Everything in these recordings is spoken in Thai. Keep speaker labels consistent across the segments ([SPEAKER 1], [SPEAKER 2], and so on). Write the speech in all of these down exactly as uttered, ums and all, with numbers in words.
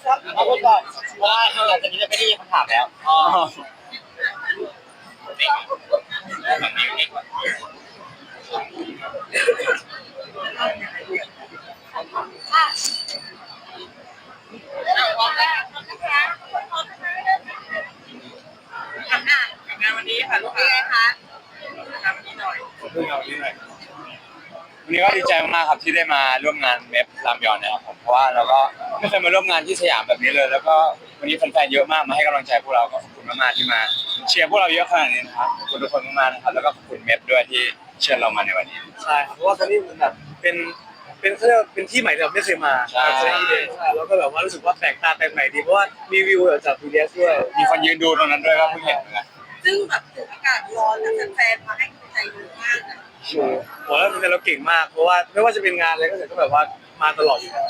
[SPEAKER 1] เอาพูดก่อนเพราะว่าหลังจากนี้จะไม่ได้ยินคำถามแล้วอ๋อ
[SPEAKER 2] งานวันนี้ค่ะลูกค้าคะงานวันนี้หน่อย
[SPEAKER 3] เพิ่งเอาที่ไหนวันนี้ก็ดีใจมากๆครับที่ได้มาร่วมงานเมฟรามยอนนะครับผมเพราะว่าเราก็ไม่เคยมาร่วมงานที่สยามแบบนี้เลย แล้วก็วันนี้แฟนๆเยอะมากมาให้กำลังใจพวกเราก็ขอบคุณมากๆที่มาเชียร์พวกเราเยอะขนาดนี้นะครับขอบคุณทุกคนมากๆนะครับแล้วก็ขอบคุณเมฟด้วยที่เชิญเรามาในวันนี้
[SPEAKER 4] ใช่ครับเพราะว่าครั้งนี้มันแบบเป็นเป็นเขาเรียกว่าเป็นที่ใหม่ที่เราไม่เคยมา
[SPEAKER 3] ใช่
[SPEAKER 4] ใช่ใช่แล้วก็แบบว่ารู้สึกว่าแปลกตาแปลกใหม่ดีเพราะว่ามีวิวจากพีดีเอสด้วย
[SPEAKER 3] มีคนยืนดูตรงนั้นด้วยก็เพิ่งเห็นเหมือนกัน
[SPEAKER 2] ซึ่งแบบถึงอากาศร้อนแล้วแฟนๆมาให้กำลังใจเยอะมากนะ
[SPEAKER 4] บอกแล้วเป็นเราเก่งมากเพราะว่าไม่ว่าจะเป็นงานอะไรก็เสร็จก็แบบว่ามาตลอดอยู่แล้ว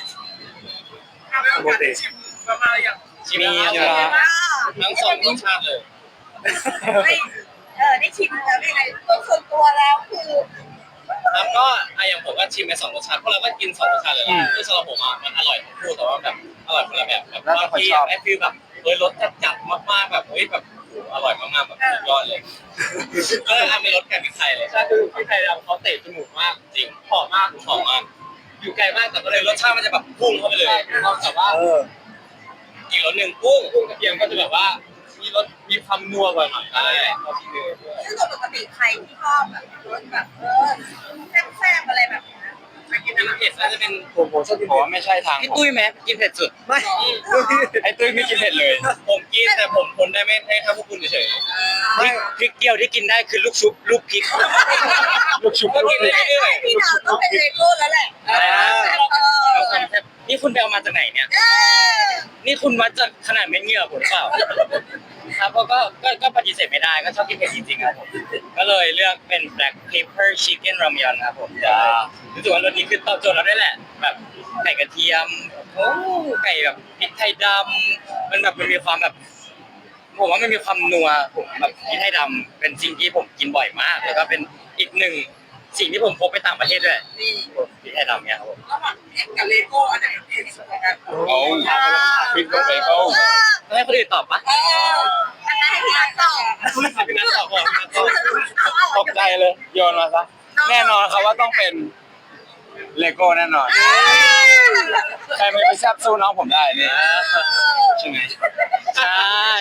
[SPEAKER 2] ปกติชิมประมาณอย่าง
[SPEAKER 3] มีเยอะ
[SPEAKER 1] ทั้งสองรสชาติเลย
[SPEAKER 2] ไม่เออได้ชิมแล้วยังไงตัวส่วนตัวแล้วคือ
[SPEAKER 1] ครับก็อะอย่างผมก็ชิมไปสองรสชาติเพราะเราก็กินสองรสชาติเลยนะคือสำหรับผมอ่ะมันอร่อยทั้งคู่แต่ว่าแบบอร่อยคนละแบบแบบบางทีไอ้ฟีลแบบเฮ้ยรสจัดจัดมากๆแบบเฮ้ยแบบอร่อยมากๆแบบสุดยอดเลยก็เลยทำเป็นรสไก่พริกไทยเลยใช่คือพริกไทยเราเขาเตะจมูกมากจริงหอมมากหอมมากอยู่ไกลมากแต่ก็เลยรสชาติมันจะแบบพุ่งเข้าไปเลยแต่ว่า
[SPEAKER 4] เออ
[SPEAKER 1] อีกรสหนึ่งกุ้งกุ้งกระเทียมก็จะแบบว่ามีรสมีความนัวกว่าหน่อยใช่เขาที่เนื้อด้วย
[SPEAKER 2] ซึ่งปกติใครที่ชอบแบบรสแบบเออแซ่บๆอะไรแบบนี้ไปกิน
[SPEAKER 1] กิน
[SPEAKER 2] อะไร
[SPEAKER 1] เผ็ดน่าจะเป็น
[SPEAKER 4] ผมผมชอบกิน
[SPEAKER 3] ผม
[SPEAKER 4] เผ็ด
[SPEAKER 3] ว่าไม่ใช่ทาง
[SPEAKER 1] พี่
[SPEAKER 3] ผม
[SPEAKER 1] ตุ้ยไหมกินเผ็ดสุด
[SPEAKER 4] ไม่
[SPEAKER 3] ไอ้ตุ้ยไม่กินเผ็ดเลย
[SPEAKER 1] ผมกินแต่ผมทนได้ไม่ให้ถ้าพวกคุณเฉย
[SPEAKER 4] ไม่
[SPEAKER 1] ๆพริกเกี๊ยวที่กินได้คือลูกชุบลูกพริก
[SPEAKER 3] ลูกชุบ
[SPEAKER 1] ก็
[SPEAKER 3] ลูก
[SPEAKER 1] กิน
[SPEAKER 3] พริก
[SPEAKER 1] ได้เรื่อย
[SPEAKER 2] พี่ดาวต้องเป็นเลโก้แล้วแหละเออ
[SPEAKER 1] ๆนี่คุณไปเอามาจากไหนเนี่ย
[SPEAKER 2] เออ
[SPEAKER 1] นี่คุณวัดจากขนาดเม็ดเหงื่อผมหรือเปล่าครับเพราะก็ก็ก็ปฏิเสธไม่ได้ก็ชอบกินเผ็ดจริงๆครับผมก็เลยเลือกเป็น black pepper chicken ramyeon ครับผมจะรู้สึกว่ารสนี้คือตอบโจทย์เราได้แหละแบบไก่กระเทียมโอ้ไก่แบบพริกไทยดำมันแบบมันมีความแบบผมว่ามันมีความนัวผมแบบพริกไทยดำเป็นสิ่งที่ผมกินบ่อยมากแล้วก็เป็นอีกหนึ่งสิ่งที่ผมพกไปต่างประเทศด้วย
[SPEAKER 2] นี่
[SPEAKER 1] พริกไทยดำเนี่ยครับผม
[SPEAKER 2] ระหว่างเอ็กกับเลโก้อันไหนเผ็ดสุดกัน
[SPEAKER 3] โอ้พริกกับเบเกิล
[SPEAKER 1] ต้องให้คนอื่นตอบปะ
[SPEAKER 2] เอออันไหนที่รักต่อ
[SPEAKER 1] พี่นัทตอบก่อน
[SPEAKER 3] ตกใจเลยโยนมาซะแน่นอนครับว่าต้องเป็นเลโก้แน่นอนใครไม่ไปแซบสู้น้องผมได้นี่ใช่ไหม
[SPEAKER 1] ใช่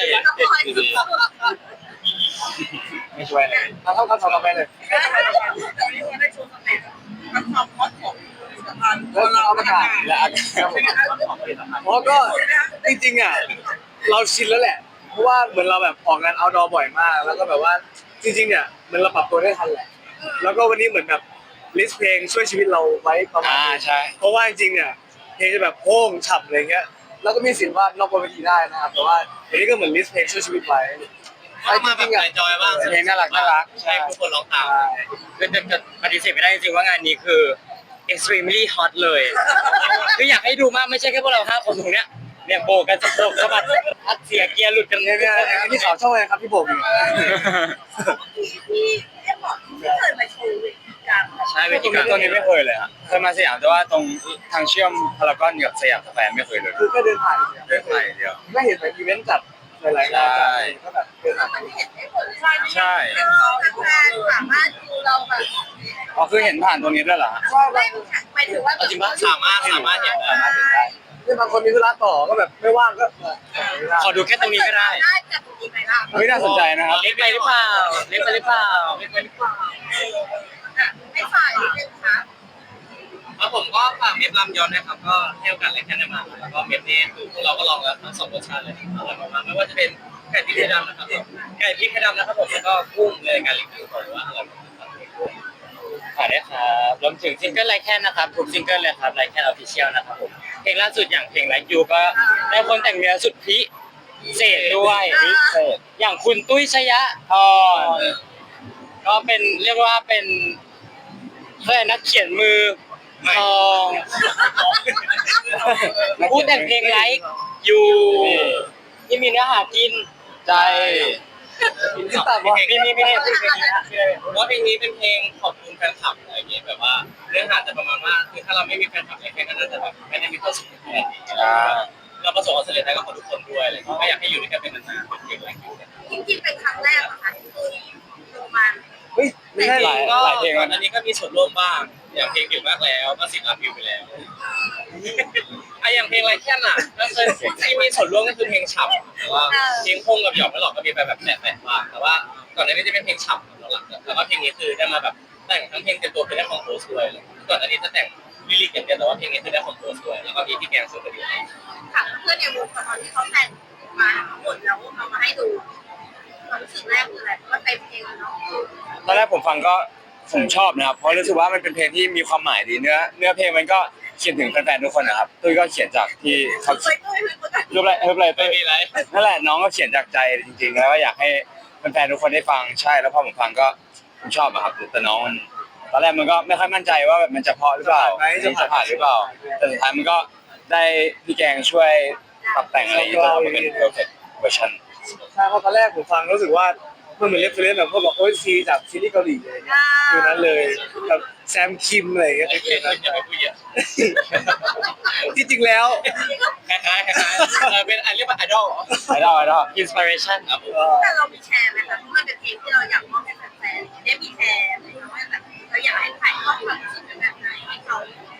[SPEAKER 3] ไม่ช่วยเลย
[SPEAKER 4] ทำเท่ากันทำเราไปเลย
[SPEAKER 2] ตอนนี้เราได้โชว์สเต็ปมันความฮอตของสะพาน
[SPEAKER 4] แล้วเราประกาศ
[SPEAKER 3] และอากาศ
[SPEAKER 4] เพราะก็จริงๆอ่ะเราชินแล้วแหละ เพราะว่าเหมือนเราแบบออกงานเอาท์ดอร์บ่อยมาก แล้วก็แบบว่าจริงๆเนี่ยเหมือนเราปรับตัวได้ทันแหละ แล้วก็วันนี้เหมือนแบบลิสต์เพลงช่วยชีวิตเราไว้ประมาณ
[SPEAKER 3] อ่า
[SPEAKER 4] นึง
[SPEAKER 3] ใช่
[SPEAKER 4] เพราะว่าจริงๆเนี่ยเพลงจะแบบโพ่งฉับอะไรเงี้ย แล้วก็มีสิทธิ์ว่านอกบนเวทีได้นะครับแต่ว่าอันนี้ก็เหมือนลิสต์เพลงช่วยชีวิตไว้
[SPEAKER 1] มาแบบจอยบ้าง
[SPEAKER 3] เพลงน่ารักน่ารัก
[SPEAKER 1] ใช่ทุกคนร้องตามคือจะจะปฏิเสธไม่ได้จริงๆว่างานนี้คือ extremely hot เลยคืออยากให้ดูมากไม่ใช่แค่พวกเราห้าคนตรงเนี้ยเนี่ยโบกันสะโพกสะบัดอัดเสียเกียร์หลุดกัน
[SPEAKER 4] เนี่ยเนี่ยที่เขาชอบเลยครับพี่ผมเนี่ย
[SPEAKER 2] ที่เรียกบอกที่เคยมาโชว์เวทีกลาง
[SPEAKER 1] ใช่เว
[SPEAKER 3] ตร
[SPEAKER 1] ที
[SPEAKER 3] ง
[SPEAKER 1] กลา
[SPEAKER 3] นี้
[SPEAKER 1] ง
[SPEAKER 3] ตัวนี้ไม่เคยเลยฮะเคยมาสยามแต่ว่าตรงทางเชื่อมพารากอนกับสยามสแควร์ไม่เคยเลย
[SPEAKER 4] คือแค่เดินผ่าน
[SPEAKER 3] เดินไปเดียว
[SPEAKER 4] ไม่เห็นแบบอีเวนต์จัดหลายๆงานจัดก็แบบเดินผ่าน
[SPEAKER 2] มันเห็นได้หมดเลย
[SPEAKER 3] ใช่
[SPEAKER 2] ทำงานสามารถดูเราแบบ
[SPEAKER 3] อ๋อคือเห็นผ่านตรงนี้ด้วยเหรอฮะ
[SPEAKER 2] ไม่หมายถึงว่า
[SPEAKER 1] จริงปะสามารถสามารถเห็นได้
[SPEAKER 4] นี่บางคนมีธุระต่อก็แบบไม่ว่างก็
[SPEAKER 1] ขอดูแค่ตรงนี้ก็ได้
[SPEAKER 2] ได้จากตรงนี้ไหมล่ะ
[SPEAKER 3] เฮ้ยน่าสนใจนะครับ
[SPEAKER 1] เล็กไปหรือเปล่าเล็กไปหรือเปล่าเล็กไปหรือเปล่า
[SPEAKER 2] ให้ฝ่ายนิดนึงค่ะ
[SPEAKER 1] แล้วผมก็ฝากเมฟลำยอนนะครับก็เที่ยวกันเลยแค่นั้นมาแล้วก็เมฟนี้คือพวกเราก็ลองแล้วทั้งสองรสชาติเลยอร่อยมากๆไม่ว่าจะเป็นไก่พริกไทยดำนะครับไก่พริกไทยดำนะครับผมแล้วก็กุ้งเลยการรีวิวบอกเลยว่าอร่อยมากขายได้ครับรวมถึงซิงเกิลไลแคนนะครับทุกซิงเกิลเลยครับไลแคนออฟฟิเชียลนะครับผมเพลงล่าสุดอย่างเพลงไลค์ยูก็ได้คนแต่งเนื้อสุดพิเศษด้วยพิเศษอย่างคุณตุ้ยชยะทรก็เป็นเรียกว่าเป็นเพื่อนนักเขียนมือทองพูดแต่งเพลงไลค์ยูที่มีเนื้อหากินใจ
[SPEAKER 4] ที่ตัดว่า
[SPEAKER 1] มีมีมีเพลงเพลงนี้นะว่าเพลงนี้เป็นเพลงขอบคุณแฟนคลับอะไรอย่างเงี้ยแบบว่าเนื้อหาจะประมาณว่าคือถ้าเราไม่มีแฟนคลับในเพลงก็น่าจะแบบไม่ได้มีความสุขขนาดนี้เราประสบความสำเร็จได้กับทุกคนด้วยอะไรอย่างเงี้ยก็อยากให้อยู่ด้วยกันเป็นนานๆเป็นเพลงแรกอยู่
[SPEAKER 2] จริงๆเป็นครั้งแรกเหรอคะที่ตุ้ยลงมา
[SPEAKER 4] เฮ้ยไม่ใช่
[SPEAKER 3] หลาย
[SPEAKER 1] ก็
[SPEAKER 3] หลายเพลงแล้ว
[SPEAKER 1] อั
[SPEAKER 3] นะ
[SPEAKER 1] นนี้ก็มีส่วนร่วมบ้างอย่างเพลงอยู่มากแล้วก็สิบล้านวิวไปแล้วไอะอย่างเพลงไรแค่น่ะก็เคยที่มีส่วนร่วมก็คือเพลงฉ่ำแต่ว่าเพลงพงกับหยอกไม่หลอกก็มีไปแบบแตะๆบ้างแต่ว่าก่อนหน้านี้จะเป็นเพลงฉ่ำหลักๆแต่ว่าเพลงนี้คือได้มาแบบแต่งทั้งเพลงเต็มตัวคือได้คอมโพสด้วยก่อนหน้านี้จะแต่งลิลิกอย่างเดียวแต่ว่าเพลงนี้คือได้คอมโพสด้วยแล้วก็มีที่แกงสุดก็ดี
[SPEAKER 2] ถามเพื่อนในวงตอนที่เขาแต่งมาทั้งหมดแล้วเอามาให้ดูความรู้สึกแรกคืออะไรว่าเต็มเพลงเนาะ
[SPEAKER 3] ตอนแรกผมฟังก็ผมชอบนะครับเพราะรู้สึกว่ามันเป็นเพลงที่มีความหมายดีเนื้อเนื้อเพลงมันก็เขียนถึงแฟนๆทุกคนนะครับตุ้ยก็เขียนจากที่เขา
[SPEAKER 2] เคยตุ้ยเคยตุ้ย
[SPEAKER 3] รูปอะไรรูปอะไร
[SPEAKER 1] ไม่
[SPEAKER 3] ตุ้ย
[SPEAKER 1] มีอะไร
[SPEAKER 3] นั่นแหละน้องก็เขียนจากใจจริงๆแล้วก็อยากให้แฟนๆทุกคนได้ฟังใช่แล้วพอผมฟังก็ผมชอบอะครับแต่น้องมันตอนแรกมันก็ไม่ค่อยมั่นใจว่าแบบมันจะเพราะหรือเปล่าจะผ่านหรือเปล่าแต่สุดท้ายมันก็ได้พี่แกงช่วยปรับแต่งอะไรจนทำมาเป็น perfect version
[SPEAKER 4] ใช่เพราะตอนแรกผมฟังรู้สึกว่ามันเหมือนเรฟเฟรนซ์แบบเขาบอกโอ้ยซีจากซีรีส์เกาหลีอะไรเงี้ยอยู่นั้นเลยแบบแซมคิมอะไรเงี้ย
[SPEAKER 1] ไอ้เพื่อนอย่าไปพูดเยอะ
[SPEAKER 4] ที่จริงแล้ว
[SPEAKER 1] คล้ายๆคล้ายๆเออเป็นอันเรียกว่าไอดอล
[SPEAKER 3] ไอดอลไอดอล
[SPEAKER 1] อินสปิเรชันครับผม
[SPEAKER 2] แต่เรามีแชร์ไหมคะเพราะมันเป็นเพลงที่เราอยากมอบให้แฟนๆได้มีแชร์ไหมคะว่าแบบเราอยากให้ถ่ายทอดความรู้สึกแบบไหนให้เขา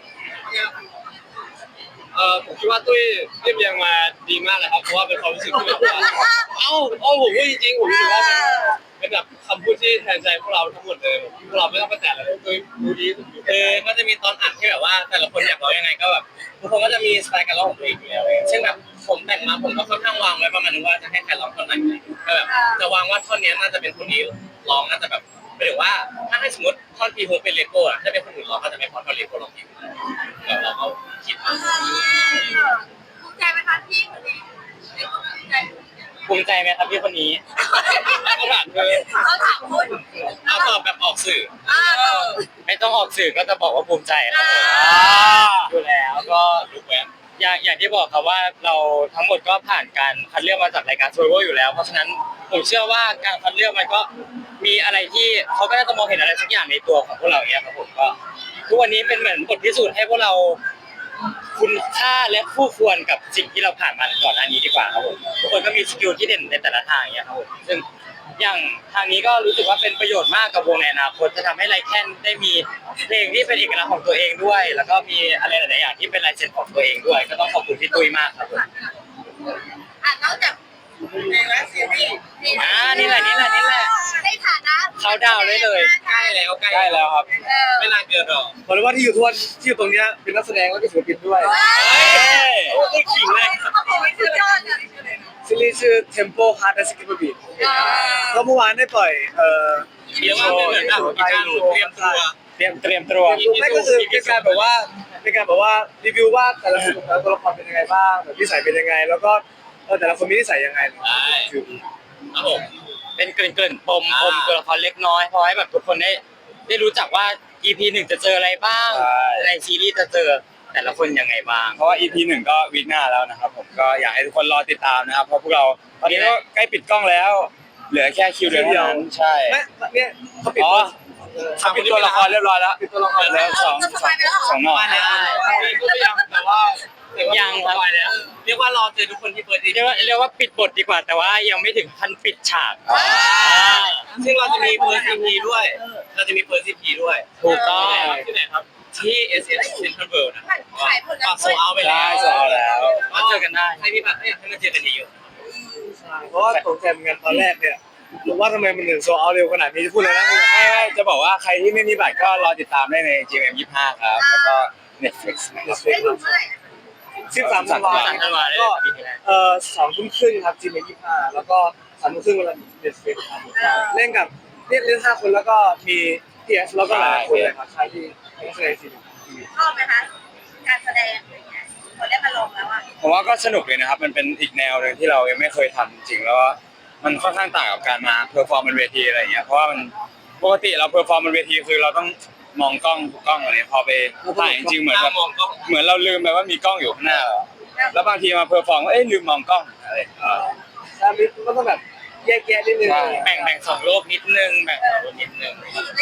[SPEAKER 1] เออผมคิดว่าตุ้ยเรียบเรียงมาดีมากเลยครับเพราะว่าเป็นความรู้สึกที่แบบว่าเอ้าเอ้าผมพูดจริงๆผมรู้สึกว่าเป็นเป็นแบบคำพูดที่แทนใจพวกเราทั้งหมดเลยพวกเราไม่ต้องไปแตะอะไรตุ้ยดูดีเออก็จะมีตอนอัดที่แบบว่าแต่ละคนอยากร้องยังไงก็แบบทุกคนก็จะมีสไตล์การร้องของตัวเองอยู่แล้วเช่นแบบผมแต่งมาผมก็ค่อนข้างวางไว้ประมาณนึงว่าจะให้ใครร้องท่อนไหนก็แบบจะวางว่าท่อนนี้น่าจะเป็นคนนี้ร้องน่าจะแบบหมายถึงว่าถ้าให้สมมติท่อนพีฮูเป็นเลโก้อะถ้าเป็นคนอื่นร้องก็จะไม่พอท่อนเลโก้ร้องพีฮูแล้วเราก็คิดว่า
[SPEAKER 2] ภูมิใจไหมคะที่คนนี้ภูมิใจ
[SPEAKER 1] ภูมิใจไหมครับพี่คนนี้เขาถามเลย
[SPEAKER 2] เขาถามคุณ
[SPEAKER 1] เอาตอบแบบออกสื่อ
[SPEAKER 2] อ่าเออ
[SPEAKER 1] ไม่ต้องออกสื่อก็จะบอกว่าภูมิใจแล้วอยู่แล้วก็รู้แวบอย่างอย่างที่บอกครับว่าเราทั้งหมดก็ผ่านการคัดเลือกมาจากรายการ Survivor อยู่แล้ว เพราะฉะนั้นผมเชื่อว่าการคัดเลือกมันก็มีอะไรที่เขาก็น่าจะมองเห็นอะไรสักอย่างในตัวของพวกเราอย่างเงี้ยครับผมก็ทุกวันนี้เป็นเหมือนบทพิสูจน์ให้พวกเราคุณค่าและคู่ควรกับสิ่งที่เราผ่านมาก่อนหน้านี้ดีกว่าครับผมทุกคนก็มีสกิลที่เด่นในแต่ละทางอย่างเงี้ยครับผมซึ่งอย่างทางนี้ก็รู้สึกว่าเป็นประโยชน์มากกับวงในอนาคตจะทำให้ไลแคนได้มีเพลงที่เป็นเอกลักษณ์ของตัวเองด้วย แล้วก็มีอะไรหลายๆอย่างที่เป็นลายเซ็นของตัวเองด้วย ก็ต้องขอบคุณพี่ตุ้ยมากครับผม
[SPEAKER 2] อ่ะนอกจากในเว็บซีรีส์
[SPEAKER 1] อ่านี่แหละนี่แหละนี่แหละ
[SPEAKER 2] ในฐานะ
[SPEAKER 1] เขาดาวได้เลยใกล้แล้วใกล้
[SPEAKER 3] ได้แล้วครับ
[SPEAKER 2] เออ
[SPEAKER 1] ไม่นานเกินหรอก
[SPEAKER 4] บอกเลยว่าที่อยู่ทุกวันที่อยู่ตรงเนี้ยเป็นนักแสดงแล้วก็ศิลปินด้วย
[SPEAKER 1] โอ้ยขิงเลย
[SPEAKER 2] โอ้โหสุดยอดเลย
[SPEAKER 4] ซีรีส์ชื่อ Tempo Hard and Skip Beat
[SPEAKER 2] อ่า
[SPEAKER 4] ก็เมื่อวานได้ปล่อยเอ่อ
[SPEAKER 1] เรียกว่าเป็นเหมือนแบบมีการเตรียมตัว
[SPEAKER 3] เตรียมเตรียมตัว
[SPEAKER 4] ไม่ก็คือเป็นการแบบว่าเป็นการแบบว่ารีวิวว่าแต่ละคนแต่ละตัวละครเป็นยังไงบ้างแบบนิสัยเป็นยังไง แล้วก็เออแต่ละคนมีนิสัยยังไงคือ
[SPEAKER 1] ครับผม
[SPEAKER 5] เป็นเกริ่นๆปมปมตัวละครเล็กน้อยพอให้แบบทุกคนได้ได้รู้จักว่า อี พี หนึ่งจะเจออะไรบ้าง
[SPEAKER 3] ใช่
[SPEAKER 5] ในซีรีส์จะเจอแต่ละคนยังไงบ้าง
[SPEAKER 3] เพราะว่า อี พี หนึ่งก็วีคหน้าแล้วนะครับผมก็อยากให้ทุกคนรอติดตามนะครับเพราะพวกเราตอนนี้ก็ใกล้ปิดกล้องแล้ว เหลือแค่คิวเดียวเท่านั้นใช่
[SPEAKER 4] ไม่เนี่ยเขาปิด
[SPEAKER 3] อ๋อ
[SPEAKER 4] ตัว
[SPEAKER 3] ทำเป็นตัวละครเรียบร้อยแล้ว
[SPEAKER 4] ปิดตัวละคร
[SPEAKER 3] แล้วสองสองสองหน่อ
[SPEAKER 1] มาแล้วก็ยังแต่ว่า
[SPEAKER 5] ยังครับ
[SPEAKER 1] ปล่อยแล้วเรียกว่ารอเจอทุกคนที่เปิดดี
[SPEAKER 5] เรียกว่าเรียกว่าปิดบทดีกว่า แต่ว่ายังไม่ถึงขั้นปิดฉาก
[SPEAKER 1] ซึ่งเราจะมีเปิดซีพีด้วย เราจะมีเปิดซีพีด้วย
[SPEAKER 5] ถูกต้อง
[SPEAKER 1] ที่ไหนครับที่ เอส เอส Central World นะ
[SPEAKER 2] ขายผล
[SPEAKER 1] ก็โซเอาไปแล้ว
[SPEAKER 3] ใช่โซเอาแล้ว
[SPEAKER 5] มาเจอกันได้
[SPEAKER 1] ให้พี่บัตรอยากให้มาเจอกันเยอะ
[SPEAKER 4] เพราะว่าตกใจเหมือนกันตอนแรกเนี่ยผมว่าทำไมมันถึงโซเอาเร็วขนาดนี้จะพูดเลยนะ
[SPEAKER 3] ไม่ไม่จะบอกว่าใครที่ไม่มีบัตรก็รอติดตามได้ใน จี เอ็ม ยี่สิบห้า ครับแล้วก็ Netflix นะครับ
[SPEAKER 2] ได้ดูเมื่อไหร่
[SPEAKER 4] สิบสามธันวา
[SPEAKER 5] สามธันวาได้
[SPEAKER 4] ก็
[SPEAKER 5] ปีที่แล้ว
[SPEAKER 4] เอ่อสองทุ่มครึ่งครับจีเอ็มยี่สิบห้าแล้วก็สามทุ่มครึ่งเวลาเน็ตฟลิกครับเล่นกับเล่นเล่นห้าคนแล้วก็มีพีเอสแล้วก็หลายคนเลยครับใช่ที่นักแสดงทีม
[SPEAKER 2] ชอบไหมคะการแสดงอะไรเงี้ยพอได้มาลงแล้วอ่ะ
[SPEAKER 3] ผมว่าก็สนุกเลยนะครับ มันเป็นอีกแนวหนึ่งที่เรายังไม่เคยทำจริงๆแล้วก็มันค่อนข้างต่างกับการมาเพอร์ฟอร์มบนเวทีอะไรอย่างเงี้ยเพราะว่ามันปกติเราเพอร์ฟอร์มบนเวทีคือเราต้องมองกล้องทุกกล้องอะไรพอไปถ่ายจริงๆเหมือนแบบ
[SPEAKER 1] มองก็
[SPEAKER 3] เหมือนเราลืมไปว่ามีกล้องอยู่ข้างหน้าเราแล้วบางทีมาเพอร์ฟอร์มเอ้ยลืมมองกล้องอะไรอย่างเงี้ย
[SPEAKER 4] ใช่มันก็ต้องแบบแยกแยะนิดนึง
[SPEAKER 3] ใช่
[SPEAKER 5] แบ่งแบ่งสองโลกนิดนึงแบ่งสองโลกนิดนึง
[SPEAKER 2] ในในบ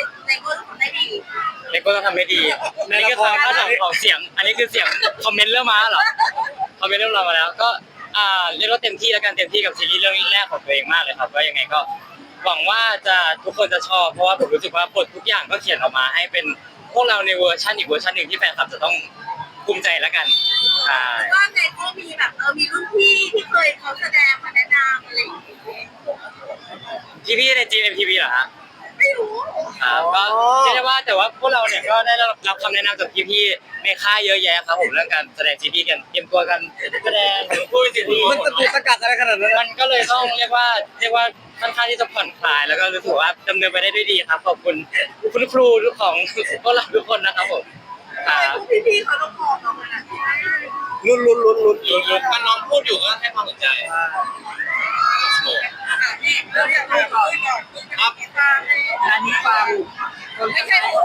[SPEAKER 2] ก็ทำได้ดี
[SPEAKER 5] เลโก้ต้องทำให้ดีอันนี้คือความคาดหวังของเสียง อันนี้คือเสียงคอมเมนต์เริ่มมาเหรอคอมเมนต์เริ่มมาแล้ว ก็อ่าเรียกว่าเต็มที่แล้วกันเต็มที่กับซีรีส์เรื่องแรกของตัวเองมากเลยครับก็ยังไงก็หวังว่าจะทุกคนจะชอบเพราะว่าผมรู้สึกว่าบททุกอย่างก็เขียนออกมาให้เป็นพวกเราในเวอร์ชันอีกเวอร์ชันหนึ่งที่แฟนคลับจะต้องภูมิใจแล้วกันใช่
[SPEAKER 2] ว่าในก็มีแบบเออมีรุ่นพี่ที่เคยเขาแสดงมาแนะนำอะไรอย่างเงี้ย
[SPEAKER 5] พี่พี่ใน จี เอ็ม ที วี เหรอฮะ
[SPEAKER 2] ไม่รู้
[SPEAKER 5] ครับก็เชื่อได้ว่าแต่ว่าพวกเราเนี่ยก็ได้รับคำแนะนำจากพี่ๆในค่ายเยอะแยะครับผมเรื่องการแสดงซีรีส์กันเตรียมตัวกันแสดงหรือพูดซีรีส์
[SPEAKER 4] มันจะถูกสกัดอะไรขนาดนั้น
[SPEAKER 5] มันก็เลยต้องเรียกว่าเรียกว่าค่อนข้างที่จะผ่อนคลายแล้วก็รู้สึกว่าดำเนินไปได้ด้วยดีครับขอบคุณคุณครูทุกของพวกเราทุกคนนะครับผมค
[SPEAKER 2] ทำ
[SPEAKER 5] รั
[SPEAKER 2] ไม
[SPEAKER 5] บ
[SPEAKER 2] พวกพี่ๆเขาต้องมองเราขนาดนี้
[SPEAKER 4] ลุ้นลุ้นลุ้นลุ้น
[SPEAKER 1] ลุ้นๆถ้าน้องพูดอยู่ก็ให้ความสนใจ
[SPEAKER 2] อ่ะนี่เราอยากถามก่อนครับอันนี้ฟังไม่ใช่พูด